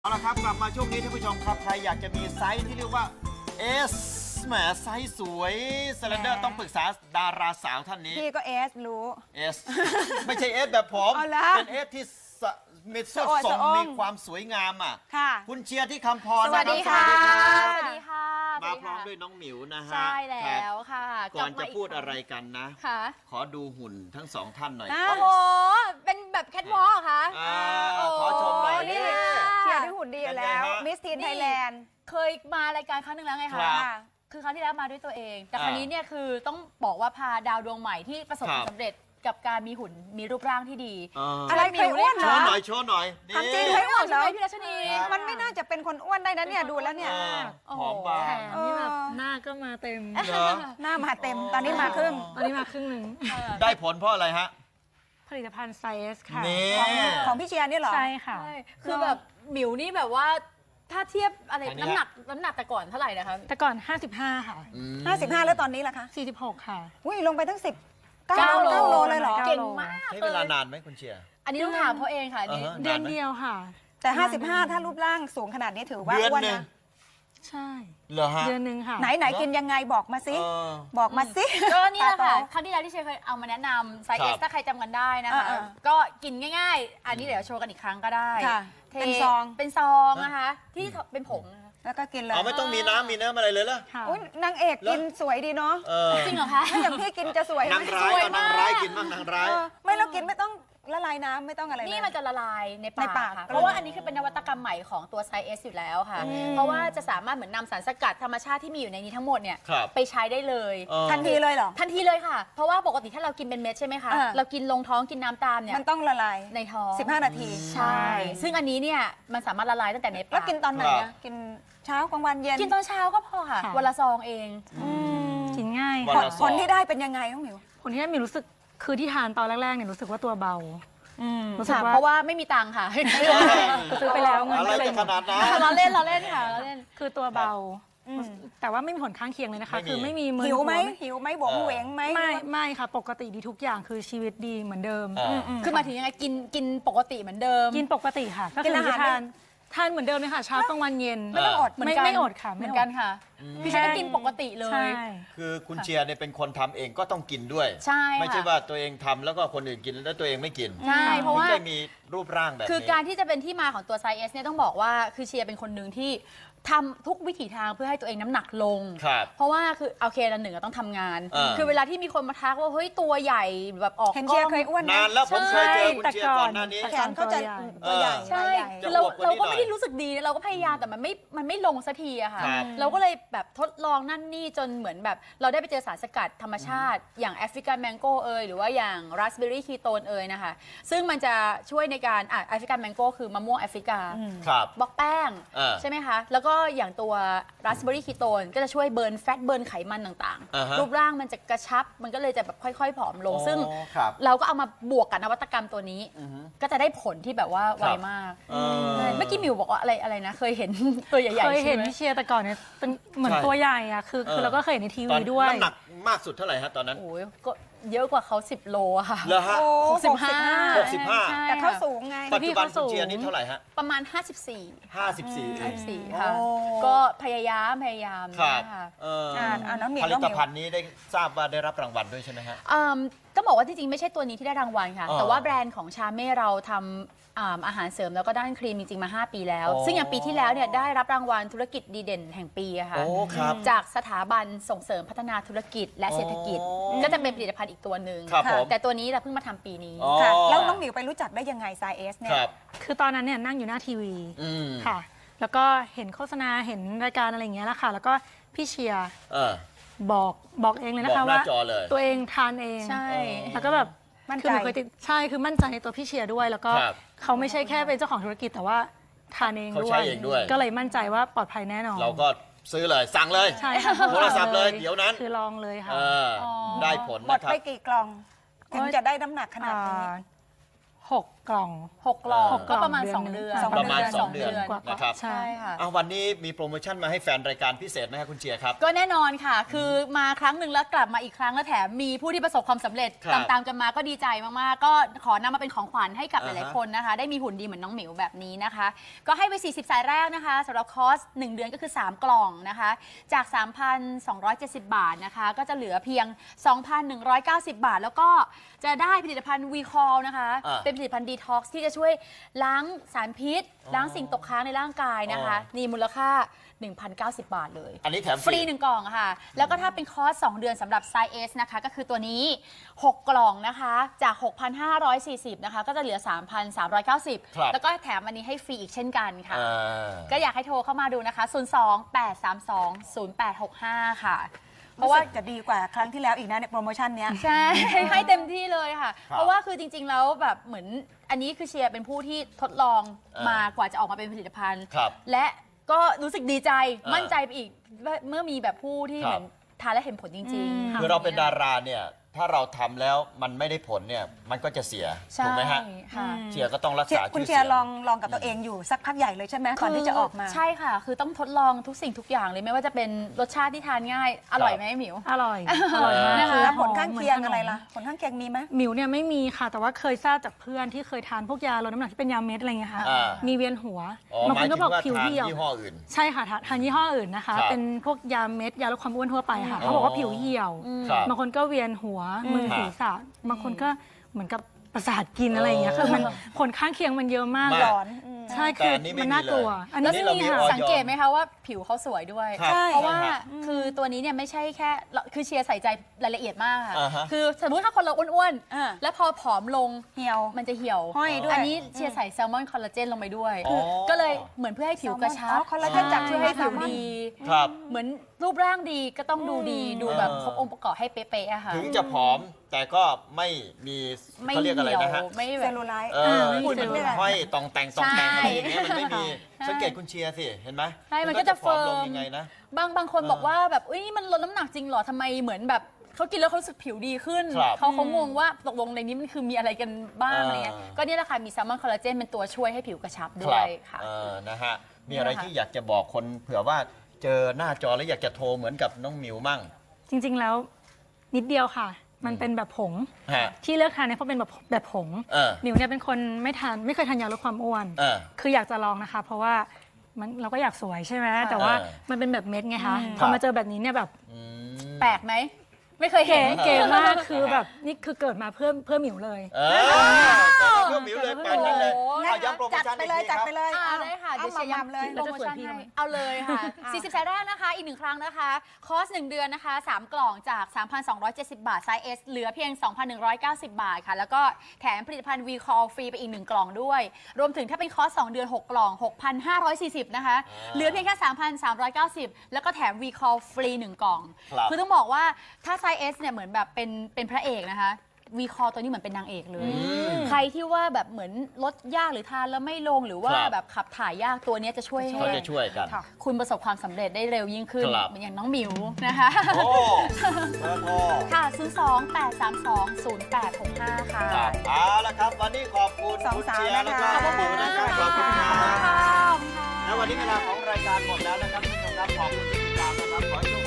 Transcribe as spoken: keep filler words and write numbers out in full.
เอาละครับกลับมาช่วงนี้ท่านผู้ชมครับใครอยากจะมีไซส์ที่เรียกว่า S แหมไซส์สวยสแลนเดอร์ต้องปรึกษาดาราสาวท่านนี้พี่ก็เอสรู้ S ไม่ใช่ S แบบผมเอาละเป็น S ที่สะมีสดสะโอดส่งสะอ้อมมีความสวยงามอ่ะค่ะคุณเชียร์ที่คำพรสวัสดีนะค่ะรับสวัสดีค่ะมาพร้อมด้วยน้องหมิวนะฮะใช่แล้วค่ะก่อนกลัจะบมาพูดคงอะไรกันนะค่ะขอดูหุ่นทั้งสองท่านหน่อยอ่ะโอ้โห เป็นแบบแคทวอล์กค่ะอ่าขอชมหน่อยนี่นี่เชียร์ด้วยหุ่นดีอยู่แล้วเป็นไงฮะมิสทีนนี่ไทยแลนด์เคยมารายการครั้งหนึ่งแล้วไงครัคะบคือครั้งที่แล้วมาด้วยตัวเอง แต่อ่าครั้งนี้เนี่ยคือต้องบอกว่าพาดาวดวงใหม่ที่ประสบความครับสำเร็จกับการมีหุ่นมีรูปร่างที่ดีอ่าอะไรเคยอ้วนโชเหรอว์หน่อยโชว์หน่อยนี่ทำจริงเคยอ้วนเหรอใช่ไหมพี่รัชนีครับมันไม่น่าจะเป็นคนอ้วนได้นะเนี่ยดูแล้วเนี่ยอ่าโอ้โหหอมบางแถมนี่แบบหน้าก็มาเต็มเหรอหน้ามาเต็มตอนนี้มาครึ่งตอนนี้มาครึ่งหนึ่งได้ผลเพราะอะไรฮะผลิตภัณฑ์ไซเอสค่ะนี่ของของพี่เชียร์นี่เหรอใช่ค่ะใช่คือแบบหมิวนี่แบบว่าถ้าเทียบอะไรอันนี้น้ำหนักน้ำหนักแต่ก่อนเท่าไหร่นะคะแต่ก่อน ห้าสิบห้า ค่ะอืมห้าสิบห้าแล้วตอนนี้ล่ะคะสี่สิบหก ค่ะอุ้ยลงไปทั้งสิบเก้าเก้าโลเก้าโลเลยเหรอเก้าเก่งมากใช้เวลานานไหมคุณเชียร์อันนี้ต้องถามเขาเองค่ะอันนี่อ่าฮะเดือนเดียวค่ะแต่ห้าสิบห้าถ้ารูปร่างสูงขนาดนี้ถือว่าเดือนอ้วนหนึ่งนะใช่เหรอฮะเดือนหนึ่งค่ะไหนไหนกินยังไงบอกมาสิเออบอกมาสิก็นี่แหละค่ะตาโตครั้งที่แล้วที่เชยเคยเอามาแนะนำไซส์ครัเอบ สถ้าใครจำกันได้นะคะอ่าก็กินง่ายๆ อันนี้เดี๋ยวโชว์กันอีกครั้งก็ได้ค่ะทเป็นซองเป็นซองนะคะ ที่เป็นผงนะคะแล้วก็กินเลยเอาไม่ต้องมีน้ำมีเนื้ออะไรเลยเหรอค่ะอุ้ยนางเอกกินสวยดีเนาะเออจริงเหรอคะถ้าอย่างพี่กินจะสวยไหมนางร้ายเอานางร้ายกินบ้างนางร้ายเออไม่เรากินไม่ต้องละลายน้ำไม่ต้องอะไรเลยนี่มันจะละลายในปากในปากค่ะก็เลยเพราะว่าอันนี้คือเป็นนวัตกรรมใหม่ของตัวไซส์เอสอยู่แล้วค่ะอืมเพราะว่าจะสามารถเหมือนนำสารสกัดธรรมชาติที่มีอยู่ในนี้ทั้งหมดเนี่ยครับไปใช้ได้เลยเออทันทีเลยเหรอทันทีเลยค่ะ เพราะว่าปกติถ้าเรากินเป็นเม็ดใช่ไหมคะอ่าเรากินลงท้องกินน้ำตามเนี่ยมันต้องละลายในท้องสิบห้านาทีใช่ ซึ่งอันนี้เนี่ยมันสามารถละลายตั้งแต่ในปากแล้วกินตอนไหนครัอะบกินเช้ากลางวันเย็นกินตอนเช้าก็พอค่ะค่ะวันละซองเองอืมกินง่ายวันค่ะละผลที่ได้เป็นยังไงน้องหมิวผลที่ได้มีรู้สึก คือที่ทานตอนแรกๆเนี่ยรู้สึกว่าตัวเบา รู้สึกค่ะว่าเพราะว่าไม่มีตังค์ค่ะซื้อไปแล้วเงินอะไรก็เลยจะขนาดนั้นเราเล่นเราเล่นค่ะเราเล่นคือตัวเบาอืมแต่ว่าไม่มีผลข้างเคียงเลยนะคะไม่มีคือไม่มีมึนหิวไหมหัหิวไหมบวกเหวงไหมไม่ไม่ค่ะ ปกติดีทุกอย่างคือชีวิตดีเหมือนเดิมอ่าอืมคือหมายถึงยังไงกินกินปกติเหมือนเดิมกินปกติค่ะ ก็กิคืนออาหารทานทานเหมือนเดิมเลยค่ะเช้ากลางวันเย็นไม่ต้องอดเหมือนไม่กันไม่อดค่ะเหมือนกันค่ะพี่ฉันก็กินปกติเลใช่ยคือคุณเชียร์เนี่ยเป็นคนทำเองก็ต้องกินด้วยใช่ค่ะไม่ใช่ว่าตัวเองทำแล้วก็คนอื่นกินแล้วตัวเองไม่กินใช่เพราะว่าถึงได้มีรูปร่างแบบนี้คือการที่จะเป็นที่มาของตัวไซส์เอสเนี่ยต้องบอกว่าคือเชียร์เป็นคนหนึ่งที่ทำทุกวิถีทางเพื่อให้ตัวเองน้ำหนักลงครับเพราะว่าคือโอเคละหนึ่งอะต้องทำงานอ่าคือเวลาที่มีคนมาทักว่าเฮ้ยตัวใหญ่แบบออกเห็นกเชีล้ยอร์งเคยอ้วนนานนะแล้วผมเคยเจอใช่คุณแต่เชียร์ก่ก่ออน นหน้านี้แขนเขาจะตัวใหญ่ใช่ใหญ่คือเราจะอวบกว่าเรานี้หน่อยก็ไม่ได้รู้สึกดีเราก็พยายามแต่มันไม่มันไม่ลงสักทีอะค่ะครับเราก็เลยแบบทดลองนั่นนี่จนเหมือนแบบเราได้ไปเจอสารสกัดธรรมชาติ อย่างแอฟริกันแมงโก้เอยหรือว่าอย่างราสเบอร์รี่คีโตนเอยนะคะซึ่งมันจะช่วยในการอ่ะแอฟริกันแมงโก้คือมะม่วงแอฟริกาครับบล็อกแป้งอ่าใช่ไหมคะ แล้วก็อย่างตัวราสเบอร์รี่คีโตนก็จะช่วยเบิร์นแฟตเบิร์นไขมันต่างอ่าฮะๆ รูปร่างมันจะกระชับมันก็เลยจะแบบค่อยๆ ผอมลง ซึ่งอ๋อครับเราก็เอามาบวกกับนวัตกรรมตัวนี้ ก็จะได้ผลที่แบบว่าไวมากเออใช่เมื่อกี้มิวบอกว่าอะไรอะไรนะ เคยเห็น ตัวใหญ่ๆเคยเห็นใช่ไหมพี่เชียร์แต่ก่อนเนี่ยเป็นเหมือนใช่ตัวใหญ่อะคือเออคือเราก็เคยเห็นในทีตอวีนด้วยน้ำหนักมากสุดเท่าไหร่ฮะตอนนั้นโอ้ยก็เยอะกว่าเขาสิบโลอะค่ะเหรอฮะโอ้หกสิบห้าหกสิบห้าใช่แต่เขาค่ะสูงไงปัจจุบันพี่เขาสูคุณงเชียร์นี่เท่าไหร่ฮะประมาณ ห้าสิบสี่ห้าสิบสี่เอห้าสิงบสี่ค่ะโอ้ก็พยายามพยายามครับนะคะเอออ่าอ่าน้องหมิวผลิน้องหตมิวภัณฑ์นี้ได้ทราบว่าได้รับรางวัลด้วยใช่ไหมฮะอืมต้องบอกว่าจริงๆ ไม่ใช่ตัวนี้ที่ได้รางวัลค่ะอ๋อแต่ว่าแบรนด์ของชาเม่เราทำอ่าอาหารเสริมแล้วก็ด้านครีมจริงๆ มา ห้า ปีแล้วอ๋อซึ่งอย่างปีที่แล้วเนี่ยได้รับรางวัลธุรกิจดีเด่นแห่งปีอะค่ะโอ้ครับจากสถาบันส่งเสริมพัฒนาธุรกิจและเศรษฐกิจอ๋อก็จะเป็นผลิตภัณฑ์อีกตัวหนึ่งครับผมแต่ตัวนี้เราเพิ่งมาทำปีนี้อ๋อค่ะแล้วน้องหมิวไปรู้จักได้ยังไงไซเอสเนี่คยรับคือตอนนั้นเนี่ยนั่งอยู่หน้าทีวีอืมค่ะ แล้วก็เห็นโฆษณาเห็นรายการอะไรอย่างเงี้ยแหละค่ะ แล้วก็พี่เชียร์เออบอกบอกเองเลยนะคะบอกหน้าว่าจอเลยตัวเองทานเองใช่แล้วก็แบบมั่นใจคือหนูเคยติดใช่คือมั่นใจในตัวพี่เชียร์ด้วย แล้วก็ครับเขาไม่ใช่แค่เป็นเจ้าของธุรกิจแต่ว่าทานเองเขาด้วใช้ยเองด้วยก็เลยมั่นใจว่าปลอดภัยแน่นอนเราก็ซื้อเลยสั่งเลยใช่ค่ะโทรศัพท์เลยเดี๋ยวนั้นคือลองเลยค่ะเออได้ผลหมดนะครัไปบกี่กล่อง ถึงจะได้น้ำหนักขนาดนี้อ่าหกกล่องหกกล่องหกกล่ก็องประมาณเดือนสองหนึ่งเดือนสองประมาณเดือนสองเดือนกว่าๆนะครับใช่ใช่ค่ะอ่ะวันนี้มีโปรโมชั่นมาให้แฟนรายการพิเศษไหมครับคุณเชียร์ครับก็แน่นอนค่ะ คือมาครั้งหนึ่งแล้วกลับมาอีกครั้งแล้วแถมมีผู้ที่ประสบความสำเร็จครับตามๆกันมาก็ดีใจมากๆ ก็ขอนำมาเป็นของขวัญให้กับหอ่าฮะลายๆคนนะคะ ได้มีหุ่นดีเหมือนน้องหมิวแบบนี้นะคะ ก็ให้ไป สี่สิบ สายแรกนะคะสำหรับคอร์สหนึ่งเดือนก็คือ สาม กล่องนะคะ จาก สามพันสองร้อยเจ็ดสิบ บาทนะคะ ก็จะเหลือเพียง สองพันหนึ่งร้อยเก้าสิบ บาท แล้วก็จะได้ผลิตภัณฑ์ วี คอล นะคะอ่าเป็นผลิตภัณฑ์ดีท็อกซ์ที่จะช่วยล้างสารพิษ ล้างสิ่งตกค้างในร่างกายนะคะอ๋อนี่มูลค่า หนึ่งพันเก้าสิบ บาทเลยอันนี้แถมฟรีหนึ่งกล่องค่ะ แล้วก็ถ้าเป็นคอร์สสองเดือนสำหรับไซส์ S นะคะ ก็คือตัวนี้ หก กล่องนะคะ จาก หกพันห้าร้อยสี่สิบ นะคะ ก็จะเหลือ สามพันสามร้อยเก้าสิบครับแล้วก็แถมอันนี้ให้ฟรีอีกเช่นกันค่ะอ่าก็อยากให้โทรเข้ามาดูนะคะ ศูนย์ สอง แปด สาม สอง ศูนย์ แปด หก ห้า ค่ะเพราะว่าจะดีกว่าครั้งที่แล้วอีกนะในโปรโมชั่นเนี้ยใช่ ให้เต็มที่เลยค่ะครับเพราะว่าคือจริง ๆ แล้วแบบเหมือนอันนี้คือเชียร์เป็นผู้ที่ทดลองเออมากว่าจะออกมาเป็นผลิตภัณฑ์ครับและก็รู้สึกดีใจเออมั่นใจไปอีกว่าเมื่อมีแบบผู้ที่ครับเหมือนทานและเห็นผลจริงๆคือเราเป็นดาราเนี่ย ถ้าเราทำแล้วมันไม่ได้ผลเนี่ย มันก็จะเสียใช่ถูกไหมฮะค่ะเชียร์ก็ต้องรักเชียษาร์คุณชื่อเชีเสียยร์งลองลองกับตัวเองอยู่สักพักใหญ่เลยใช่ไหมก่อนที่จะออกมาใช่ค่ะ คือต้องทดลองทุกสิ่งทุกอย่างเลยไม่ว่าจะเป็นรสชาติที่ทานง่าย อร่อยไหมหมิวอร่อย อร่อยมากนะคะคือแล้วผลหมข้างเคียงหมืนขนมอะไรล่ะ ผลข้างเคียงมีไหมหมิวเนี่ยไม่มีค่ะ แต่ว่าเคยทราบจากเพื่อนที่เคยทานพวกยาลดน้ำหนักที่เป็นยาเม็ดอะไรเงี้ยค่ะอ่ามีมีเวียนหัวอ๋อบางหคมายนถึก็งบอกว่าผิวทานเหี่ยวยี่ห้ออื่นใช่ค่ะทาทานยี่ห้ออื่นนะคะครับเป็นพวกยาเม็ดยาลดความอ้วนทั่วไปค่ะเขาบอกว่าผิวเหี่ยวครับบางคนก็เวียนหัวมึนครับศีรษะบางคนก็เหมือนกับประสาทกินอะไรอย่างเงี้ยคือมันผลข้างเคียงมันเยอะมากมากหลอนอืมใช่แต่คืออันนี้ไม่มันมีน่ากลัวเลยอันนี้อันนี้ไม่เรามีมีค่ะออยสังเกตไหมคะว่าผิวเขาสวยด้วยครับใช่เพราะว่าใช่ฮะคือตัวนี้เนี่ยไม่ใช่แค่คือเชียร์ใส่ใจรายละเอียดมากค่ะอ่าฮะคือสมมติถ้าคนเราอ้วนอ่าๆ แล้วพอผอมลงเหี่ยวมันจะเหี่ยวห้อยด้วยอันนี้เชียร์ใส่แซลมอนคอลลาเจนลงไปด้วยอ๋อก็เลยเหมือนเพื่อให้ผิวกระชัอ๋บอคอลลาเจนจากช่วยให้ผิวแซลมอนดีครับเหมือนรูปร่างดีก็ต้องดูดีดูแบบเออครบองค์ประกอบให้เป๊ะๆอะค่ะถึงจะผอมแต่ก็ไม่มีไม่เขาเรียกอะไรเหี่ยวนะฮะไม่แบเซบลลูไลท์เออหุ่นที่ไม่มันได้ห้อยตองแต่งตองแต่งใช่อะไรอย่างเงี้ยมันไม่มีใช่สังเกตคุณเชียร์สิเห็นไหมใช่มันก็จะผอมลงเฟิร์มยังไงนะบางบางคนเออบอกว่าแบบเอ้ยนี่มันลดน้ำหนักจริงเหรอทำไมเหมือนแบบเขากินแล้วเขารู้สึกผิวดีขึ้นครับเขาเขางงว่าตกลงในนี้มันคือมีอะไรกันบ้างเออออะไรเงี้ยก็เนี่ยแหละค่ะมีแซลมอนคอลลาเจนเป็นตัวช่วยให้ผิวกระชับคด้รัวบยค่ะเออนะฮะมีอะไรเนี่ยค่ะที่อยากจะบอกคนเผื่อว่าเจอหน้าจอแล้วอยากจะโทรเหมือนกับน้องหมิวมั่งจริงๆแล้วนิดเดียวค่ะ มันเป็นแบบผงฮะที่เลือกทานเนี่ยเพราะเป็นแบบแบบผงเออหมิวเนี่ยเป็นคนไม่ทานไม่เคยทานยาลดความอ้วนเออคืออยากจะลองนะคะ เพราะว่ามันเราก็อยากสวยใช่ไหมแต่ว่าเออมันเป็นแบบเม็ดไงคะอืมพอมาเจอแบบนี้เนี่ยแบบอืมแปลกไหมไม่เคยเห็เก๋นเก๋มากคือแบบนี่คือเกิดมาเพื่อเพื่อหมิวเลยเออเพื่อหมิวเลยแปลนนั้นเลยโอ้โหเอาย้ำโปรโมจัดชั่นไปอีกเลยทีจัดครับไปเลยอ่าเอาได้ค่ะเอาเดี๋ยวมาเชียร์มำเลยย้ำโปรโมชั่นเราจะสวยพี่ให้ไหมเอาเลยค่ะ สี่สิบ สายแรกนะคะ อีกหนึ่งครั้งนะคะ คอร์สหนึ่งเดือนนะคะ สาม กล่องจาก สามพันสองร้อยเจ็ดสิบ บาท ไซส์ S เหลือเพียง สองพันหนึ่งร้อยเก้าสิบ บาทค่ะ แล้วก็แถมผลิตภัณฑ์ วี คอล ฟรีไปอีกหนึ่งกล่องด้วย รวมถึงถ้าเป็นคอร์สสองเดือน หก กล่อง หกพันห้าร้อยสี่สิบ นะคะอ่าเหลือเพียงแค่ สามพันสามร้อยเก้าสิบ แล้วก็แถม วี คอล ฟรีหนึ่งกล่องครับคือต้องบอกว่าถ้าไซส์ S เนี่ยเหมือนแบบเป็นเป็นพระเอกนะคะ วี คอล ตัวนี้เหมือนเป็นนางเอกเลย ใครที่ว่าแบบเหมือนลดยากหรือทานแล้วไม่ลงหรือว่าครับแบบขับถ่ายยากตัวเนี้ยจะช่วยให้เขาจะช่วยกันค่ะคุณประสบความสำเร็จได้เร็วยิ่งขึ้นครับเหมือนอย่างน้องหมิวนะคะโอ้เบอร์โทรค่ะ ศูนย์ สอง แปด สาม สอง ศูนย์ แปด หก ห้า ค่ะครับเอาละครับ วันนี้ขอบคุณสองคุณสาวเชียร์นะแล้วคะก็ขอบคุณนะครับขอบคุณคขอบรัคุณบค่ะแล้ววันนี้เวลาของรายการหมดแล้วนะครับท่านผู้ชมครับขอบคุณที่ติดตามนะครับขอให้โช